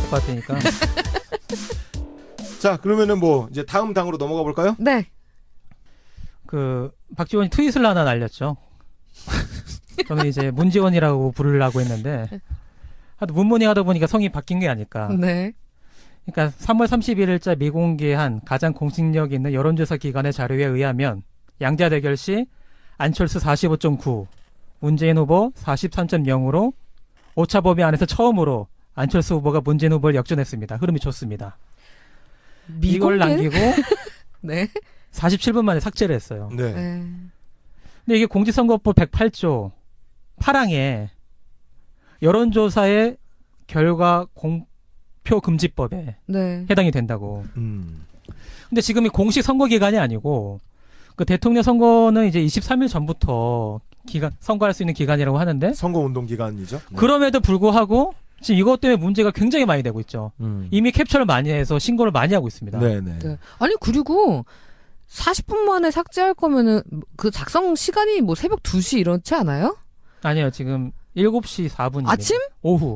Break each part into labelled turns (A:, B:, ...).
A: 것 같으니까.
B: 자, 그러면은 뭐 이제 다음 당으로 넘어가 볼까요?
C: 네.
A: 그 박지원이 트윗을 하나 날렸죠. 저는 이제 문지원이라고 부르려고 했는데 하도 문문이 하다 보니까 성이 바뀐 게 아닐까.
C: 네.
A: 그러니까 3월 31일자 미공개한 가장 공식력 있는 여론조사 기관의 자료에 의하면 양자 대결 시 안철수 45.9, 문재인 후보 43.0으로 오차 범위 안에서 처음으로 안철수 후보가 문재인 후보를 역전했습니다. 흐름이 좋습니다. 이걸 남기고
C: 네.
A: 47분 만에 삭제를 했어요.
B: 네.
C: 네.
A: 근데 이게 공직선거법 108조 8항에 여론조사의 결과 공표 금지법에
C: 네.
A: 해당이 된다고.
B: 음.
A: 근데 지금이 공식 선거 기간이 아니고 그 대통령 선거는 이제 23일 전부터 선거할 수 있는 기간이라고 하는데
B: 선거 운동 기간이죠. 네.
A: 그럼에도 불구하고 지금 이것 때문에 문제가 굉장히 많이 되고 있죠. 이미 캡처를 많이 해서 신고를 많이 하고 있습니다.
B: 네네.
C: 네. 아니 그리고 40분 만에 삭제할 거면은 그 작성 시간이 뭐 새벽 2시 이렇지 않아요?
A: 아니요. 지금 7시 4분입니다.
C: 아침?
A: 오후.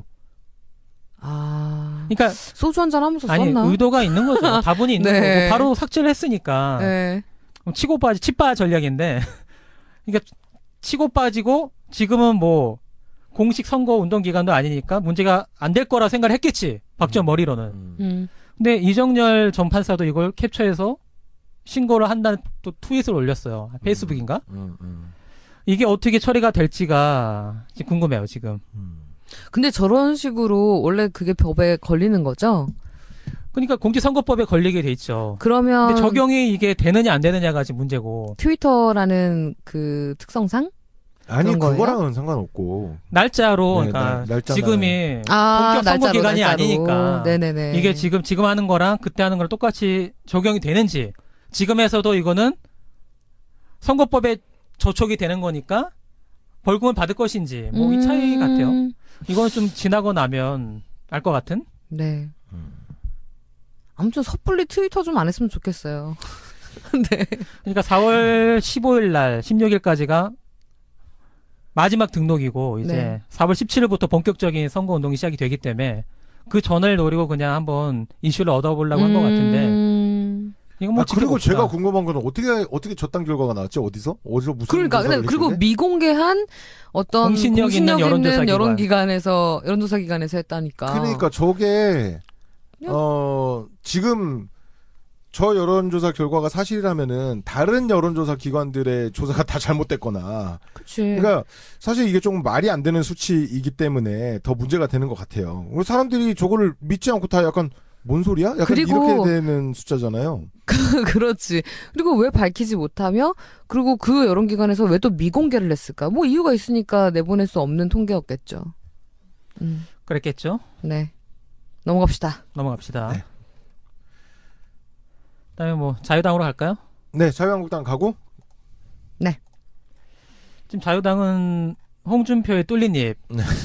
C: 아.
A: 그러니까
C: 소주 한잔 하면서
A: 아니
C: 썼나?
A: 의도가 있는 거죠. 다분히 있는
C: 네.
A: 거고 바로 삭제를 했으니까
C: 네.
A: 치고 빠지 치빠 전략인데 그러니까 치고 빠지고 지금은 뭐 공식 선거 운동 기간도 아니니까 문제가 안 될 거라 생각을 했겠지. 박지원 머리로는. 근데 이정열 전 판사도 이걸 캡처해서 신고를 한다는 또 트윗을 올렸어요. 페이스북인가? 이게 어떻게 처리가 될지가 지금 궁금해요, 지금.
C: 근데 저런 식으로 원래 그게 법에 걸리는 거죠?
A: 그러니까 공직선거법에 걸리게 돼 있죠.
C: 그러면
A: 근데 적용이 이게 되느냐 안 되느냐가 지금 문제고.
C: 트위터라는 그 특성상?
B: 아니
C: 그런 거예요?
B: 그거랑은 상관없고
A: 날짜로
B: 네,
A: 그러니까
B: 날짜나.
A: 지금이
C: 아,
A: 본격 선거
C: 날짜로,
A: 기간이
C: 날짜로.
A: 아니니까
C: 네네네.
A: 이게 지금 하는 거랑 그때 하는 거랑 똑같이 적용이 되는지 지금에서도 이거는 선거법에 저촉이 되는 거니까 벌금을 받을 것인지 뭐 이 차이 같아요. 이거는 좀 지나고 나면 알 것 같은?
C: 네. 아무튼 섣불리 트위터 좀 안 했으면 좋겠어요. 네.
A: 그러니까 4월 15일 날 16일까지가 마지막 등록이고 이제
C: 네.
A: 4월 17일부터 본격적인 선거 운동이 시작이 되기 때문에 그 전을 노리고 그냥 한번 이슈를 얻어보려고 한 것 같은데 이건 뭐
B: 그리고
A: 지켜봅시다.
B: 제가 궁금한 건 어떻게 저당 결과가 나왔지? 어디서 무슨
C: 그러니까
B: 조사를
C: 그리고
B: 했길래?
C: 미공개한 어떤
A: 공신력 있는 여론조사
C: 여론조사 기관에서 했다니까.
B: 그러니까 저게 지금 저 여론조사 결과가 사실이라면은 다른 여론조사 기관들의 조사가 다 잘못됐거나
C: 그치.
B: 그러니까 사실 이게 조금 말이 안 되는 수치이기 때문에 더 문제가 되는 것 같아요. 사람들이 저거를 믿지 않고 다 약간 뭔 소리야? 약간
C: 그리고
B: 이렇게 되는 숫자잖아요.
C: 그렇지. 그리고 왜 밝히지 못하며 그리고 그 여론기관에서 왜 또 미공개를 했을까? 뭐 이유가 있으니까 내보낼 수 없는 통계였겠죠.
A: 그랬겠죠?
C: 네. 넘어갑시다.
A: 넘어갑시다.
B: 네.
A: 그다음에 뭐 자유당으로 갈까요?
B: 네, 자유한국당 가고
C: 네.
A: 지금 자유당은 홍준표의 뚫린 입.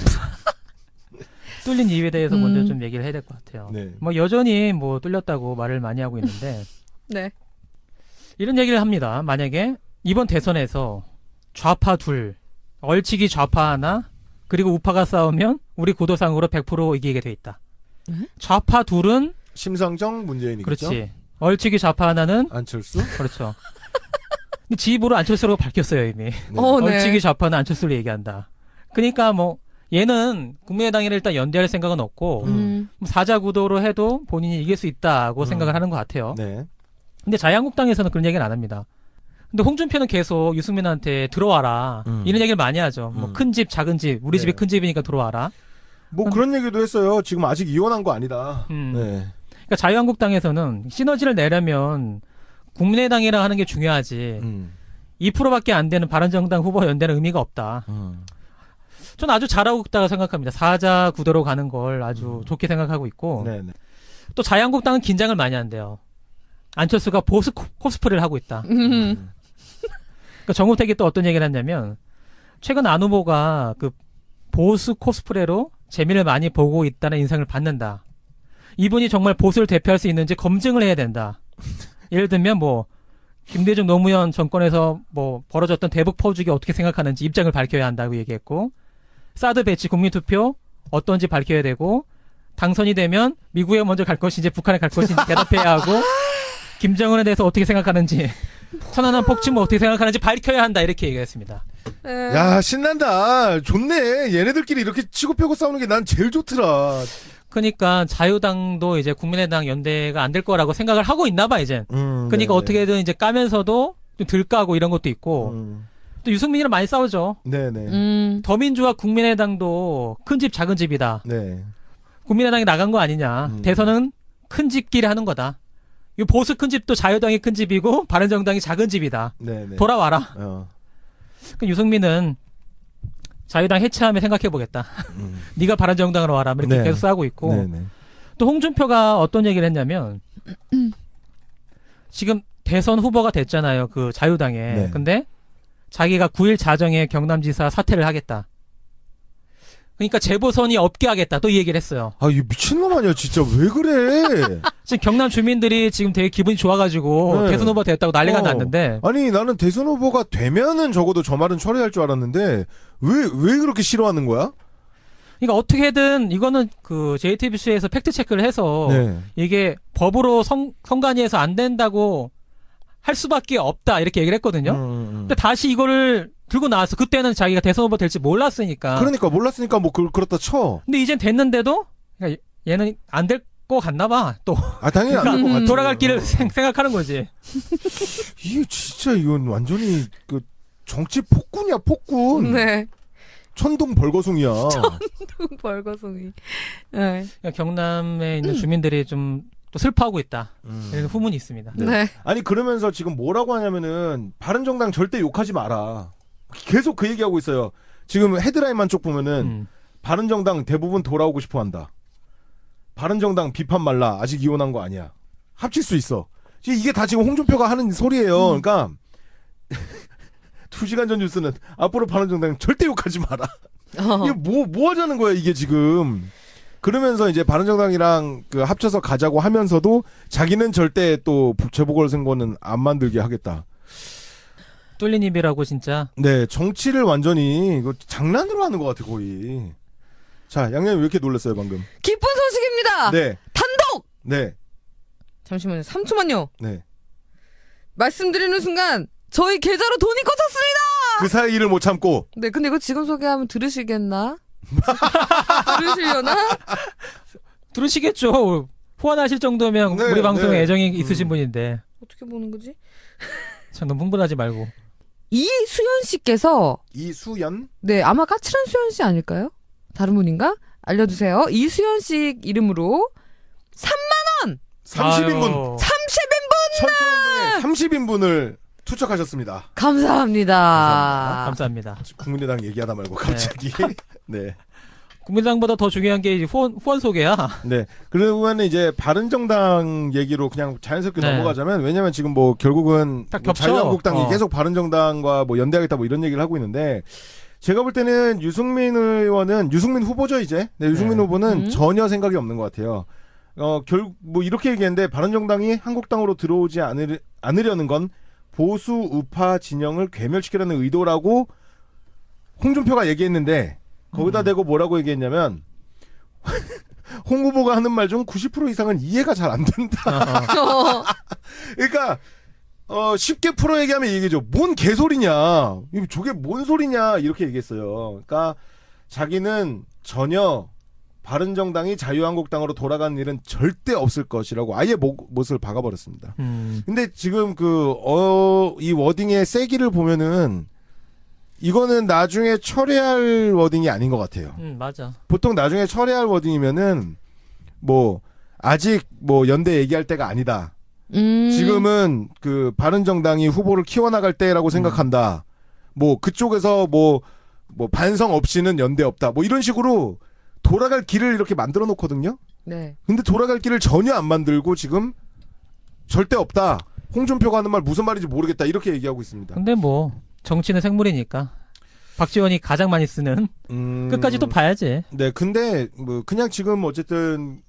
A: 뚫린 입에 대해서 먼저 좀 얘기를 해야 될 것 같아요.
B: 네.
A: 뭐 여전히 뭐 뚫렸다고 말을 많이 하고 있는데
C: 네.
A: 이런 얘기를 합니다. 만약에 이번 대선에서 좌파 둘, 얼치기 좌파 하나, 그리고 우파가 싸우면 우리 구도상으로 100% 이기게 돼 있다. 좌파 둘은
B: 심상정 문재인이겠죠.
A: 그렇지. 얼치기 좌파 하나는
B: 안철수.
A: 그렇죠. 근데 지 입으로 안철수라고 밝혔어요 이미.
B: 네.
C: 네.
A: 얼치기 좌파는 안철수를 얘기한다. 그러니까 뭐 얘는 국민의당이랑 일단 연대할 생각은 없고 사자 구도로 해도 본인이 이길 수 있다고 생각을 하는 것 같아요.
B: 네.
A: 근데 자유한국당에서는 그런 얘기는 안 합니다. 근데 홍준표는 계속 유승민한테 들어와라 이런 얘기를 많이 하죠. 뭐 큰 집, 작은 집, 우리
B: 네.
A: 집이 큰 집이니까 들어와라.
B: 뭐 그런 얘기도 했어요. 지금 아직 이혼한 거 아니다. 네.
A: 그러니까 자유한국당에서는 시너지를 내려면 국민의당이랑 하는 게 중요하지. 2%밖에 안 되는 바른정당 후보 연대는 의미가 없다. 저는 아주 잘하고 있다고 생각합니다. 사자 구도로 가는 걸 아주 좋게 생각하고 있고
B: 네네.
A: 또 자유한국당은 긴장을 많이 한대요. 안철수가 보수 코스프레를 하고 있다. 그러니까 정우택이 또 어떤 얘기를 했냐면 최근 안 후보가 그 보수 코스프레로 재미를 많이 보고 있다는 인상을 받는다. 이분이 정말 보수를 대표할 수 있는지 검증을 해야 된다. 예를 들면 뭐 김대중 노무현 정권에서 뭐 벌어졌던 대북 퍼주기 어떻게 생각하는지 입장을 밝혀야 한다고 얘기했고 사드 배치 국민투표 어떤지 밝혀야 되고 당선이 되면 미국에 먼저 갈 것인지 북한에 갈 것인지 대답해야 하고 김정은에 대해서 어떻게 생각하는지 천안함 폭침을 어떻게 생각하는지 밝혀야 한다 이렇게 얘기했습니다.
B: 야, 신난다. 좋네. 얘네들끼리 이렇게 치고 펴고 싸우는 게 난 제일 좋더라.
A: 그러니까 자유당도 이제 국민의당 연대가 안 될 거라고 생각을 하고 있나 봐 이제. 그러니까
B: 네네.
A: 어떻게든 이제 까면서도 좀 덜 까고 이런 것도 있고 또 유승민이랑 많이 싸우죠.
B: 네네.
A: 더민주와 국민의당도 큰 집 작은 집이다.
B: 네.
A: 국민의당이 나간 거 아니냐. 대선은 큰 집끼리 하는 거다. 이 보수 큰 집도 자유당이 큰 집이고 바른정당이 작은 집이다.
B: 네네.
A: 돌아와라.
B: 그
A: 유승민은 자유당 해체하면 생각해보겠다. 네가 바른정당으로 와라. 이렇게
B: 네.
A: 계속 싸우고 있고.
B: 네네.
A: 또 홍준표가 어떤 얘기를 했냐면 지금 대선 후보가 됐잖아요. 그 자유당에.
B: 네.
A: 근데 자기가 9일 자정에 경남지사 사퇴를 하겠다. 그러니까 재보선이 없게 하겠다. 또 이 얘기를 했어요.
B: 아, 이 미친놈 아니야, 진짜. 왜 그래?
A: 지금 경남 주민들이 지금 되게 기분이 좋아가지고
B: 네.
A: 대선 후보 됐다고 난리가
B: 어.
A: 났는데
B: 아니, 나는 대선 후보가 되면은 적어도 저 말은 처리할 줄 알았는데, 왜 그렇게 싫어하는 거야?
A: 그러니까 어떻게든 이거는 그 JTBC에서 팩트 체크를 해서
B: 네.
A: 이게 법으로 선관위에서 안 된다고 할 수밖에 없다 이렇게 얘기를 했거든요. 근데 다시 이거를 들고 나왔어. 그때는 자기가 대선 후보 될지 몰랐으니까.
B: 그러니까 몰랐으니까 뭐 그렇다 쳐.
A: 근데 이젠 됐는데도 그러니까 얘는 안 될 거 같나 봐. 또
B: 아, 당연히 안 될 것 같아.
A: 돌아갈 길을 생각하는 거지.
B: 이게 진짜 이건 완전히 그 정치 폭군이야, 폭군.
C: 네.
B: 천둥 벌거숭이야.
C: 벌거숭이. 네.
A: 그러니까 경남에 있는 주민들이 좀 또 슬퍼하고 있다. 이런 후문이 있습니다.
C: 네.
B: 아니 그러면서 지금 뭐라고 하냐면은 바른정당 절대 욕하지 마라. 계속 그 얘기하고 있어요. 지금 헤드라인만 쭉 보면은 바른정당 대부분 돌아오고 싶어한다. 바른정당 비판 말라. 아직 이혼한 거 아니야. 합칠 수 있어. 이게 다 지금 홍준표가 하는 소리예요. 그러니까 2시간 전 뉴스는 앞으로 바른정당 절대 욕하지 마라. 이게 뭐 하자는 거야 이게 지금. 그러면서 이제 바른정당이랑 그 합쳐서 가자고 하면서도 자기는 절대 또 재보궐선거는 안 만들게 하겠다.
A: 뚫린 입이라고 진짜.
B: 네, 정치를 완전히 이거 장난으로 하는 것 같아 거의. 자, 양양이 왜 이렇게 놀랐어요 방금?
C: 기쁜 소식입니다.
B: 네,
C: 단독.
B: 네,
C: 잠시만요. 3초만요.
B: 네.
C: 말씀드리는 순간 저희 계좌로 돈이 꽂혔습니다.
B: 그 사이를 못 참고.
C: 네, 근데 이거 지금 소개하면 들으시겠나? 들으시려나?
A: 들으시겠죠. 후원하실 정도면
B: 네,
A: 우리 방송에
B: 네.
A: 애정이 있으신 분인데.
C: 어떻게 보는 거지?
A: 참 너무 흥분하지 말고.
C: 이수연 씨께서
B: 이수연?
C: 네, 아마 까칠한 수연 씨 아닐까요? 다른 분인가? 알려주세요. 이수연 씨 이름으로
B: 30인분.
C: 30인분
B: 30인분을 투척하셨습니다.
C: 감사합니다.
A: 감사합니다.
B: 국민의당 얘기하다 말고 갑자기. 네.
A: 국민당보다 더 중요한 게 이제 후원 소개야.
B: 네. 그러면 이제 바른정당 얘기로 그냥 자연스럽게
A: 네.
B: 넘어가자면 왜냐면 지금 뭐 결국은
A: 딱
B: 뭐
A: 겹쳐.
B: 자유한국당이
A: 어.
B: 계속 바른정당과 뭐 연대하겠다 뭐 이런 얘기를 하고 있는데 제가 볼 때는 유승민 후보죠 이제. 네, 유승민
A: 네.
B: 후보는 전혀 생각이 없는 것 같아요. 뭐 이렇게 얘기했는데 바른정당이 한국당으로 들어오지 않으려는 건 보수 우파 진영을 괴멸시키려는 의도라고 홍준표가 얘기했는데 거기다 대고 뭐라고 얘기했냐면 홍 후보가 하는 말 중 90% 이상은 이해가 잘 안 된다. 그러니까 쉽게 풀어 얘기하면 이 얘기죠. 뭔 개소리냐. 저게 뭔 소리냐 이렇게 얘기했어요. 그러니까 자기는 전혀 바른정당이 자유한국당으로 돌아가는 일은 절대 없을 것이라고 아예 못을 박아버렸습니다. 근데 지금 이 워딩의 세기를 보면은 이거는 나중에 철회할 워딩이 아닌 것 같아요.
A: 맞아.
B: 보통 나중에 철회할 워딩이면은 뭐 아직 뭐 연대 얘기할 때가 아니다. 지금은 그 바른정당이 후보를 키워나갈 때라고 생각한다. 뭐 그쪽에서 뭐 반성 없이는 연대 없다. 뭐 이런 식으로 돌아갈 길을 이렇게 만들어 놓거든요.
C: 네.
B: 근데 돌아갈 길을 전혀 안 만들고 지금 절대 없다. 홍준표가 하는 말 무슨 말인지 모르겠다. 이렇게 얘기하고 있습니다.
A: 근데 뭐 정치는 생물이니까 박지원이 가장 많이 쓰는 끝까지 또 봐야지.
B: 네, 근데 뭐 그냥 지금 어쨌든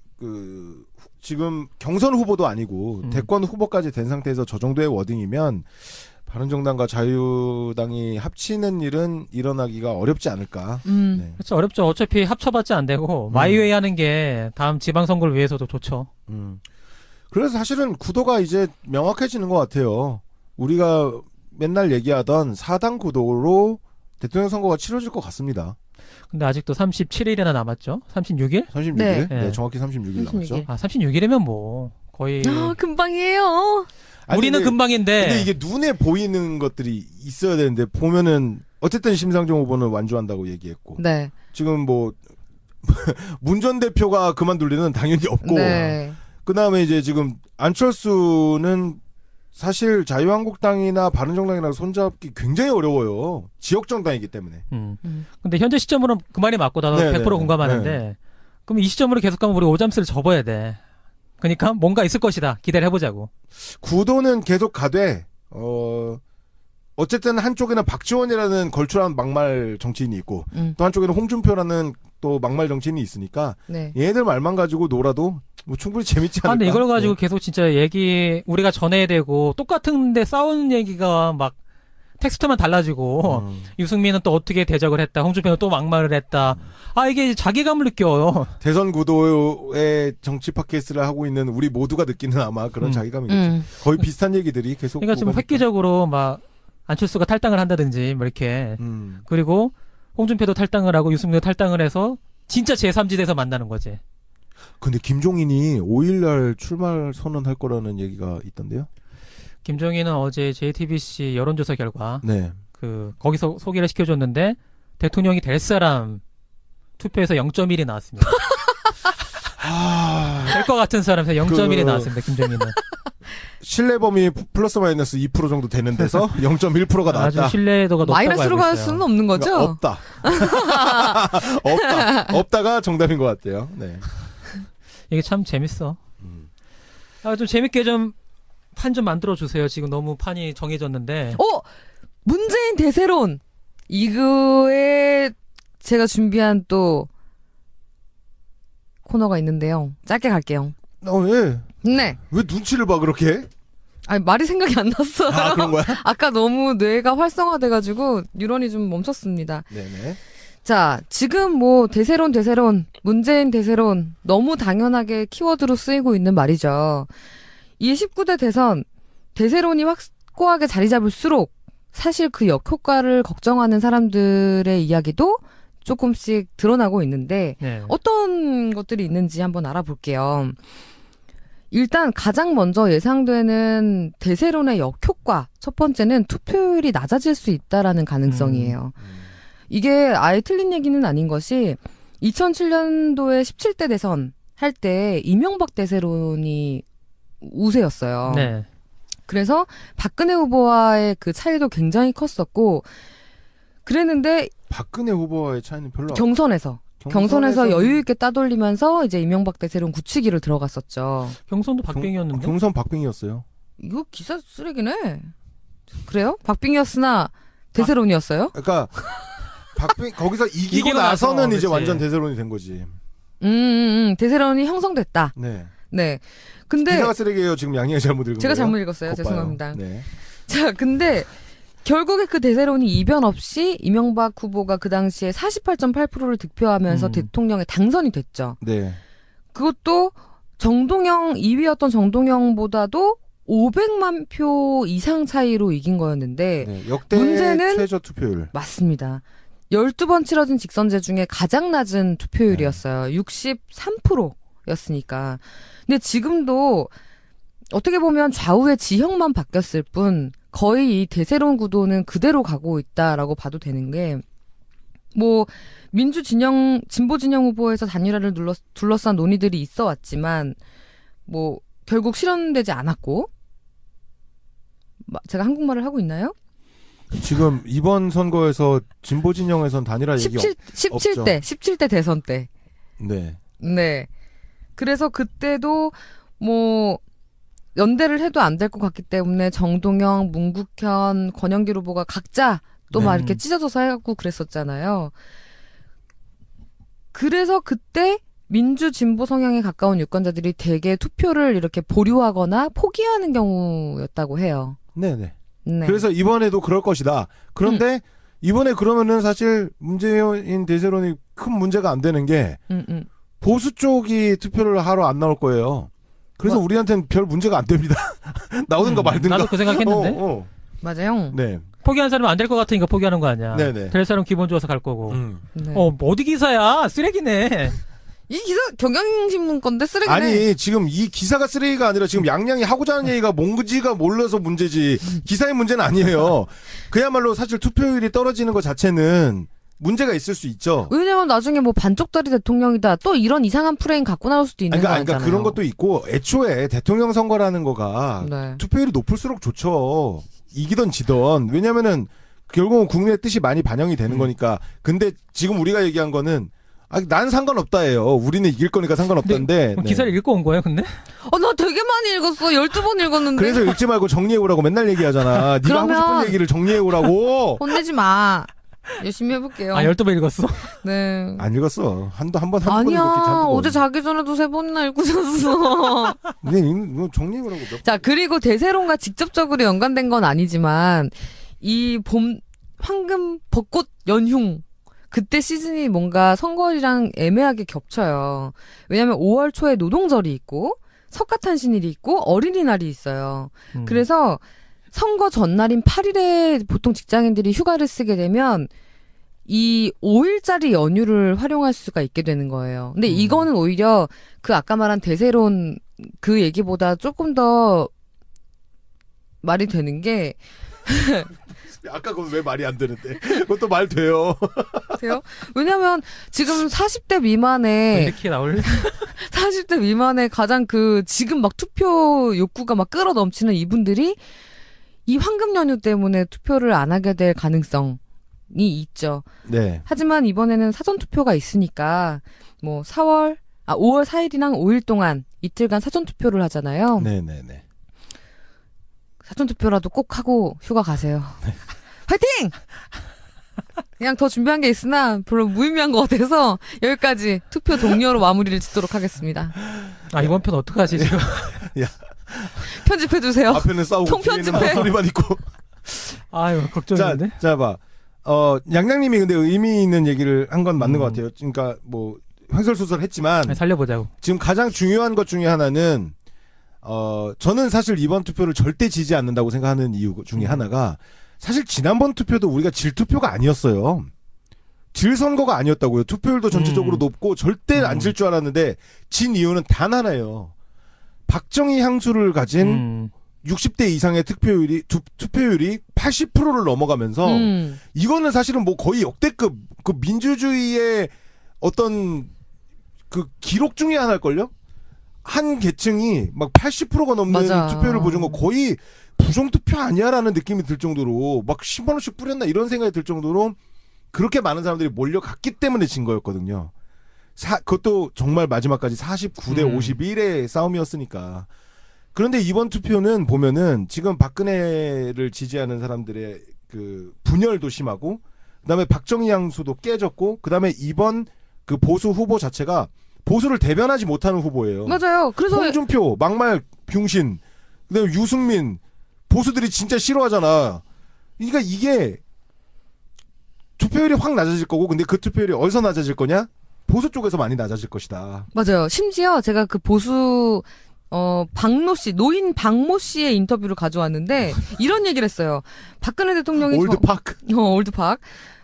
B: 지금 경선 후보도 아니고 대권 후보까지 된 상태에서 저 정도의 워딩이면 바른정당과 자유당이 합치는 일은 일어나기가 어렵지 않을까. 네.
A: 그렇죠. 어렵죠. 어차피 합쳐봤자 안 되고 마이웨이 하는 게 다음 지방선거를 위해서도 좋죠.
B: 그래서 사실은 구도가 이제 명확해지는 것 같아요. 우리가 맨날 얘기하던 4당 구도로 대통령 선거가 치러질 것 같습니다.
A: 근데 아직도 37일이나 남았죠. 36일?
B: 36일?
C: 네.
B: 네, 정확히 36일 남았죠.
C: 36일.
A: 36일이면 뭐 거의
C: 금방이에요.
B: 아니,
A: 우리는
B: 근데-
A: 금방인데
B: 근데 이게 눈에 보이는 것들이 있어야 되는데 보면은 어쨌든 심상정 후보는 완주한다고 얘기했고
C: 네.
B: 지금 뭐 문 전 대표가 그만둘 리는 당연히 없고
C: 네.
B: 그다음에 이제 지금 안철수는 사실 자유한국당이나 바른정당이랑 손잡기 굉장히 어려워요. 지역 정당이기 때문에.
A: 근데 현재 시점으로는 그 말이 맞고 나도
B: 네,
A: 100%
B: 네,
A: 공감하는데 그럼 이 시점으로 계속 가면 우리 오잠스를 접어야 돼. 그러니까 뭔가 있을 것이다. 기대를 해보자고.
B: 구도는 계속 가되 어쨌든 한쪽에는 박지원이라는 걸출한 막말 정치인이 있고 또 한쪽에는 홍준표라는 또 막말 정치인이 있으니까
C: 네.
B: 얘네들 말만 가지고 놀아도 뭐 충분히 재밌지 않을까.
A: 근데 이걸 가지고
B: 네.
A: 계속 진짜 우리가 전해야 되고 똑같은데 싸우는 얘기가 막 텍스트만 달라지고 유승민은 또 어떻게 대적을 했다. 홍준표는 또 막말을 했다. 이게 자괴감을 느껴요.
B: 대선 구도의 정치 팟캐스트를 하고 있는 우리 모두가 느끼는 아마 그런 자괴감이겠죠. 거의 비슷한 얘기들이 계속.
A: 그러니까 지금
B: 오가니까.
A: 획기적으로 막 안철수가 탈당을 한다든지 뭐 이렇게 그리고 홍준표도 탈당을 하고 유승민도 탈당을 해서 진짜 제3지대에서 만나는 거지.
B: 근데 김종인이 5일날 출마 선언할 거라는 얘기가 있던데요.
A: 김종인은 어제 JTBC 여론조사 결과
B: 네.
A: 거기서 소개를 시켜줬는데 대통령이 될 사람 투표에서 0.1이 나왔습니다. 될 것 같은 사람에서 0.1이 나왔습니다. 김종인은.
B: 신뢰 범위 플러스 마이너스 2% 정도 되는 데서 0.1%가 나왔다.
A: 아주 신뢰도가 높다고
C: 마이너스로
A: 알고
C: 갈
A: 있어요.
C: 수는 없는 거죠?
B: 그러니까 없다. 없다가 정답인 것 같아요. 네.
A: 이게 참 재밌어. 좀 재밌게 좀 판 좀 만들어 주세요. 지금 너무 판이 정해졌는데.
C: 문재인 대세론. 이거에 제가 준비한 또 코너가 있는데요. 짧게 갈게요.
B: 예.
C: 네.
B: 왜 눈치를 봐 그렇게?
C: 아니, 말이 생각이 안 났어요.
B: 아 그런 거야?
C: 아까 너무 뇌가 활성화돼가지고 뉴런이 좀 멈췄습니다.
B: 네네.
C: 자, 지금 뭐 대세론, 문재인 대세론 너무 당연하게 키워드로 쓰이고 있는 말이죠. 이 19대 대선 대세론이 확고하게 자리 잡을수록 사실 그 역효과를 걱정하는 사람들의 이야기도 조금씩 드러나고 있는데
A: 네.
C: 어떤 것들이 있는지 한번 알아볼게요. 일단 가장 먼저 예상되는 대세론의 역효과 첫 번째는 투표율이 낮아질 수 있다라는 가능성이에요. 이게 아예 틀린 얘기는 아닌 것이 2007년도에 17대 대선 할 때 이명박 대세론이 우세였어요.
A: 네.
C: 그래서 박근혜 후보와의 그 차이도 굉장히 컸었고 그랬는데
B: 박근혜 후보와의 차이는 별로
C: 경선에서 여유 있게 따돌리면서 이제 이명박 대세론 굳히기를 들어갔었죠.
A: 경선도 박빙이었는데.
B: 경선 박빙이었어요.
C: 이거 기사 쓰레기네. 그래요? 박빙이었으나 대세론이었어요?
B: 그러니까 박빙 거기서 이기고
A: 이기고 나서,
B: 나서는 이제
A: 그치.
B: 완전 대세론이 된 거지.
C: 대세론이 형성됐다.
B: 네.
C: 네. 근데
B: 기사가 쓰레기예요. 지금 양양이 잘못 읽은
C: 제가
B: 거예요.
C: 잘못 읽었어요.
B: 겉봐요.
C: 죄송합니다.
B: 네.
C: 자, 근데 결국에 그 대세론이 이변 없이 이명박 후보가 그 당시에 48.8%를 득표하면서 대통령에 당선이 됐죠.
B: 네.
C: 그것도 2위였던 정동영보다도 500만 표 이상 차이로 이긴 거였는데
B: 네. 역대
C: 문제는
B: 최저 투표율.
C: 맞습니다. 12번 치러진 직선제 중에 가장 낮은 투표율이었어요. 63%였으니까. 근데 지금도 어떻게 보면 좌우의 지형만 바뀌었을 뿐 거의 이 대세론 구도는 그대로 가고 있다라고 봐도 되는 게 뭐 진보 진영 후보에서 단일화를 둘러싼 논의들이 있어 왔지만 뭐 결국 실현되지 않았고 제가 한국말을 하고 있나요?
B: 지금 이번 선거에서 진보 진영에선 단일화 얘기
C: 17대 대선 때.
B: 네.
C: 네. 그래서 그때도 뭐 연대를 해도 안 될 것 같기 때문에 정동영, 문국현, 권영길 후보가 각자 또 막 이렇게 찢어져서 해갖고 그랬었잖아요. 그래서 그때 민주 진보 성향에 가까운 유권자들이 대개 투표를 이렇게 보류하거나 포기하는 경우였다고 해요.
B: 네네.
C: 네.
B: 그래서 이번에도 그럴 것이다. 그런데 이번에 그러면은 사실 문재인 대세론이 큰 문제가 안 되는 게 보수 쪽이 투표를 하러 안 나올 거예요. 그래서
C: 뭐-
B: 우리한테는 별 문제가 안 됩니다. 나오든가 말든가.
A: 나도 그 생각했는데
C: 맞아요.
B: 네.
A: 포기한 사람은 안 될 것 같으니까 포기하는 거 아니야.
B: 네네.
A: 될 사람 기본 좋아서 갈 거고.
C: 네.
A: 어디 기사야? 쓰레기네.
C: 이 기사 경향신문 건데 쓰레기네.
B: 아니 지금 이 기사가 쓰레기가 아니라 지금 양양이 하고자 하는 얘기가 뭔지가 몰라서 문제지 기사의 문제는 아니에요. 그야말로 사실 투표율이 떨어지는 것 자체는 문제가 있을 수 있죠.
C: 왜냐면 나중에 뭐 반쪽짜리 대통령이다. 또 이런 이상한 프레임 갖고 나올 수도 있는
B: 그러니까,
C: 거잖아요.
B: 그러니까 그런 것도 있고 애초에 대통령 선거라는 거가
C: 네.
B: 투표율이 높을수록 좋죠. 이기던 지던. 왜냐면은 결국은 국민의 뜻이 많이 반영이 되는 거니까. 근데 지금 우리가 얘기한 거는 난 상관없다예요. 우리는 이길 거니까 상관없다는데.
A: 그럼 기사를 읽고 온 거예요, 근데?
C: 나 되게 많이 읽었어. 12번 읽었는데.
B: 그래서 읽지 말고 정리해 오라고 맨날 얘기하잖아. 네가 하고
C: 그러면-
B: 싶은 얘기를 정리해 오라고.
C: 혼내지 마. 열심히 해볼게요.
A: 12번 읽었어?
C: 네.
B: 안 읽었어. 한번 읽었기
C: 아니야.
B: 잔뜩.
C: 어제 자기 전에도 3번이나 읽고 잤어.
B: 근데 이거 정리해 오라고.
C: 자, 그리고 대세론과 직접적으로 연관된 건 아니지만 이 봄 황금 벚꽃 연흉 그때 시즌이 뭔가 선거일이랑 애매하게 겹쳐요. 왜냐면 5월 초에 노동절이 있고 석가탄신일이 있고 어린이날이 있어요. 그래서 선거 전날인 8일에 보통 직장인들이 휴가를 쓰게 되면 이 5일짜리 연휴를 활용할 수가 있게 되는 거예요. 근데 이거는 오히려 그 아까 말한 대세론 그 얘기보다 조금 더 말이 되는 게
B: 아까 그건 왜 말이 안 되는데. 그것도 말 돼요.
C: 돼요? 왜냐면 지금 40대 미만의
A: 이렇게 나올래?
C: 40대 미만의 가장 지금 막 투표 욕구가 막 끌어 넘치는 이분들이 이 황금 연휴 때문에 투표를 안 하게 될 가능성이 있죠.
B: 네.
C: 하지만 이번에는 사전 투표가 있으니까 뭐 5월 4일이랑 5일 동안 이틀간 사전 투표를 하잖아요.
B: 네네네.
C: 사전 투표라도 꼭 하고 휴가 가세요. 화이팅! 그냥 더 준비한 게 있으나 별로 무의미한 것 같아서 여기까지 투표 동료로 마무리를 짓도록 하겠습니다.
A: 이번 편 어떡하지, 지금?
C: 편집해주세요.
B: 앞에는 싸우고
C: 통편집해.
B: 뒤에는 소리만 있고.
A: 아유, 걱정인데?
B: 자, 봐. 양양님이 근데 의미 있는 얘기를 한 건 맞는 것 같아요. 그러니까 뭐 횡설수설했지만
A: 살려보자고.
B: 지금 가장 중요한 것 중에 하나는 저는 사실 이번 투표를 절대 지지 않는다고 생각하는 이유 중에 하나가 사실 지난번 투표도 우리가 질 투표가 아니었어요. 질 선거가 아니었다고요. 투표율도 전체적으로 높고 절대 안 질 줄 알았는데 진 이유는 단 하나예요. 박정희 향수를 가진 60대 이상의 투표율이 80%를 넘어가면서 이거는 사실은 뭐 거의 역대급 그 민주주의의 어떤 그 기록 중에 하나일걸요? 한 계층이 막 80%가 넘는
C: 맞아.
B: 투표를 보여준 거 거의 부정투표 아니야라는 느낌이 들 정도로 막 10만 원씩 뿌렸나 이런 생각이 들 정도로 그렇게 많은 사람들이 몰려갔기 때문에 진 거였거든요. 그것도 정말 마지막까지 49대 51의 싸움이었으니까. 그런데 이번 투표는 보면은 지금 박근혜를 지지하는 사람들의 그 분열도 심하고 그다음에 박정희 향수도 깨졌고 그다음에 이번 그 보수 후보 자체가 보수를 대변하지 못하는 후보예요.
C: 맞아요. 그래서
B: 홍준표, 막말 병신, 그다음에 유승민 보수들이 진짜 싫어하잖아. 그러니까 이게 투표율이 확 낮아질 거고 근데 그 투표율이 어디서 낮아질 거냐? 보수 쪽에서 많이 낮아질 것이다.
C: 맞아요. 심지어 제가 그 보수 박모 씨, 노인 박모 씨의 인터뷰를 가져왔는데 이런 얘기를 했어요. 박근혜 대통령이
B: 올드파크.
C: 올드팍.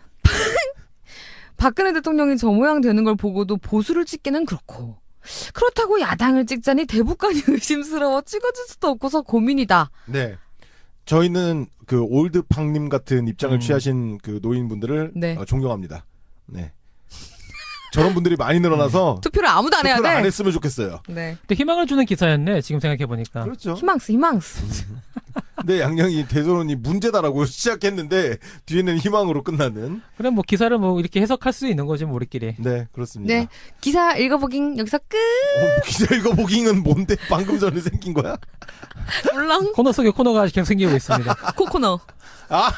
C: 박근혜 대통령이 저 모양 되는 걸 보고도 보수를 찍기는 그렇고 그렇다고 야당을 찍자니 대북관이 의심스러워 찍어줄 수도 없고서 고민이다.
B: 네. 저희는 그 올드팡님 같은 입장을 취하신 그 노인분들을
C: 네.
B: 존경합니다. 네. 저런 분들이 많이 늘어나서
C: 투표를 아무도 안 해야
B: 투표를
C: 돼.
B: 안 했으면 좋겠어요.
C: 네.
A: 근데 희망을 주는 기사였네, 지금 생각해보니까.
B: 그렇죠.
C: 희망스.
B: 근데 양양이 대선이 문제다라고 시작했는데 뒤에는 희망으로 끝나는.
A: 그럼 뭐 기사를 뭐 이렇게 해석할 수 있는 거지, 뭐 우리끼리.
B: 네, 그렇습니다.
C: 네. 기사 읽어보긴 여기서 끝.
B: 기자 읽어보기는 뭔데 방금 전에 생긴 거야?
C: 물랑
A: 코너 속에 코너가 계속 생기고 있습니다.
C: 코코너.
B: 아.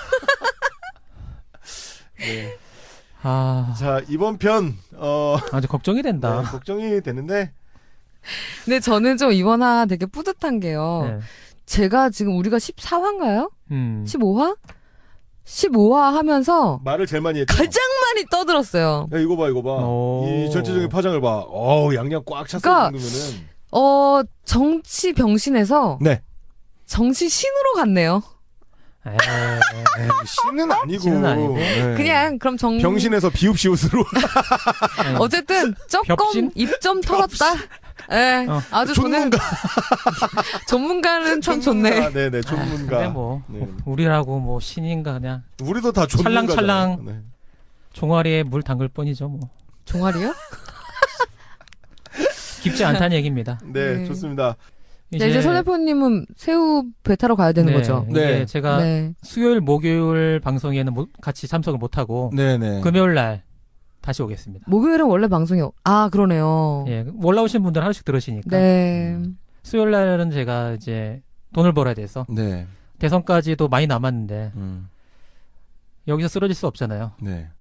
B: 네. 자, 이번 편
A: 아주 걱정이 된다.
B: 네, 걱정이 되는데
C: 근데 저는 좀 이번 화 되게 뿌듯한 게요.
A: 네.
C: 제가 지금 우리가 14화인가요?
A: 음.
C: 15화? 15화 하면서
B: 말을 제일 많이 했죠.
C: 가장 많이 떠들었어요.
B: 야, 이거 봐, 이거 봐.
A: 오.
B: 이 전체적인 파장을 봐. 양양 꽉 찼을
C: 그러니까
B: 정도면은.
C: 정치 병신에서
B: 네.
C: 정치 신으로 갔네요.
A: 에이,
B: 신은 아니고.
A: 신은 아니고.
B: 네.
C: 그냥 그럼
B: 병신에서 비읍시옷으로.
C: 어쨌든 조금
A: 벽신?
C: 입 좀 털었다. 예, 아주 저는 전문가는 참 좋네.
B: 네네, 전문가.
A: 근데 뭐
B: 네.
A: 우리라고 뭐 신인가 그냥
B: 우리도 다 전문가.
A: 찰랑찰랑.
B: 네.
A: 종아리에 물 담글 뿐이죠 뭐.
C: 종아리요?
A: 깊지 않다는 얘기입니다.
B: 네,
C: 네.
B: 좋습니다.
C: 이제 서 대표님은 새우 배 타러 가야 되는
A: 네,
C: 거죠.
A: 이게
B: 네.
A: 제가
C: 네.
A: 수요일 목요일 방송에는 같이 참석을 못하고
B: 네네.
A: 금요일 날 다시 오겠습니다.
C: 목요일은 원래 방송이 그러네요.
A: 예, 올라오신 분들 하나씩 들으시니까.
C: 네.
A: 수요일 날은 제가 이제 돈을 벌어야 돼서
B: 네.
A: 대선까지도 많이 남았는데
B: 음.
A: 여기서 쓰러질 수 없잖아요.
B: 네.